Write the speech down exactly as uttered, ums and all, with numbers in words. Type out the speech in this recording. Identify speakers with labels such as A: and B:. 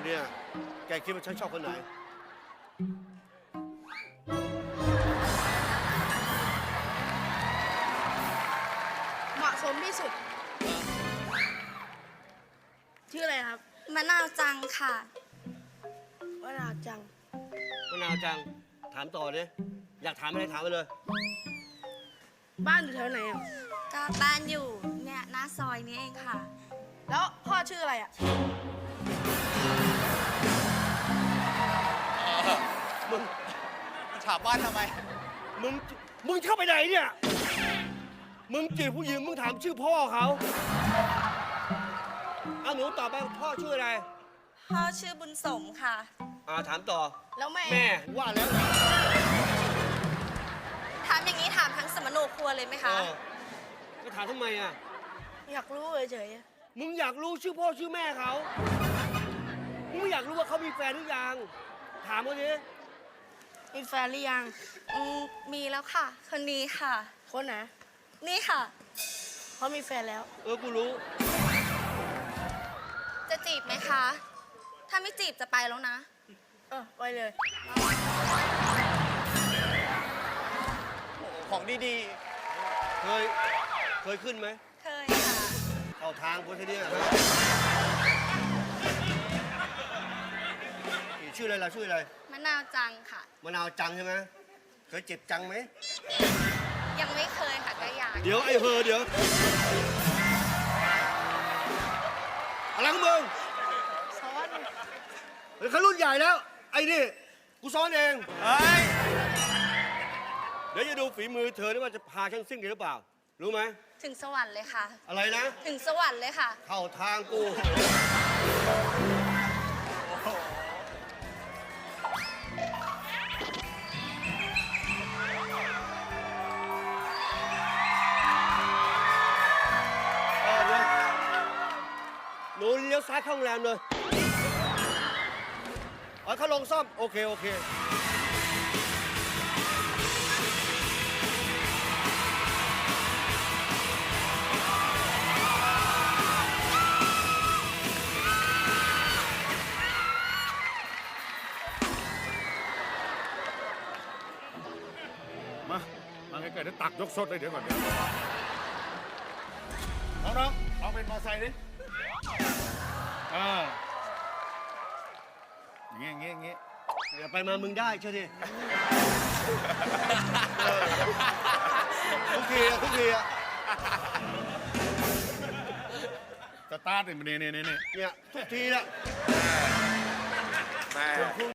A: เนี่ย แกคิดว่าฉันชอบคนไหน
B: เหมาะสมที่สุด ชื่ออะไรครับ
C: มะนาวจังค่ะ
B: วราจัง
A: มะนาวจัง ถามต่อดิอยากถามอะไรถามไปเลย
B: บ้านอยู่แถวไหนอ่ะ
C: ก็บ้านอยู่เนี่ยหน้าซอยนี้เองค่ะ
B: แล้วพ่อชื่ออะไรอ่ะ
A: มึง
D: ถามบ้านทำไม
A: มึง มึงเข้าไปไหนเนี่ย มึงจีบผู้หญิงมึงถามชื่อพ่อเขาเอาหนูตอบไปพ่อชื่ออะไร
C: พ่อชื่อบุญสมค่ะ
A: อ่าถามต่อ
B: แล้วแม่
A: แม่ว่าแล้ว
C: ถามอย่างนี้ถามทั้งสมโนครัวเลยไหม
A: เอ
C: คะ
A: อจะถามทำไมอ่ะ
B: อยากรู้เฉยๆอะ
A: มึงอยากรู้ชื่อพ่อชื่อแม่เขา มึงไม่อยากรู้ว่าเขามีแฟนหรือยัง ถามเขาดิ
B: มีแฟนหรือยัง
C: อืมมีแล้วค่ะ คนนี้ค่ะ
B: คนไหน
C: นี่ค่ะ
B: เขามีแฟนแล้ว
A: เออ กูรู้
C: จะจีบไหมคะ ถ้าไม่จีบจะไปแล้วนะ
B: เออไปเลย
D: ของดี
A: เคย เคยขึ้นไหม
C: เคยค่ะ
A: เข้าทางคนทีเนี้ยฮะนี่ชื่ออะไรล่ะชื่ออะไร
C: มะนาวจังค่ะ
A: มะนาวจังใช่ไหม เคยเจ็บจังไหม
C: ยังไม่เคยค่ะก็อยาก
A: เดี๋ยวไอ้เฮอเดี๋ยว อะไรของมึง
B: ซ้อน
A: เฮ้ยเขารุ่นใหญ่แล้ว ไอ้นี่ กูซ้อนเอง
D: ๆ เฮ้ย
A: เดี๋ยวจะดูฝีมือเธอนี่ว่าจะพาฉันซิ่งได้หรือเปล่า รู้ไหม
C: ถึงสวรรค์เลยค่ะ
A: อะไรนะ
C: ถึงสวรรค์เลยค่ะ
A: เข้าทางกู เออเดี๋ยวหนูเลี้ยวซ้ายเข้าโรงแรมเลยอ๋อเขาลงซ่อม โอเค โอเค
E: มา มาใกล้ๆเดี๋ยวตักยกสดเลยเดี๋ยวก่อนเดี๋ยวน้องๆลองเป็นมอไซค์ดิเอออย่างเงี้ยอย่างเงี้ยอย่างเงี้ย
A: อย่าไปมามึงได้เชื่อดิเออทุกทีอะทุกทีอะ
E: สตาร์ทเนี่ยเนี่ยเนี่ยเนี่ย
A: เนี่ยทุกทีอะ
D: แม่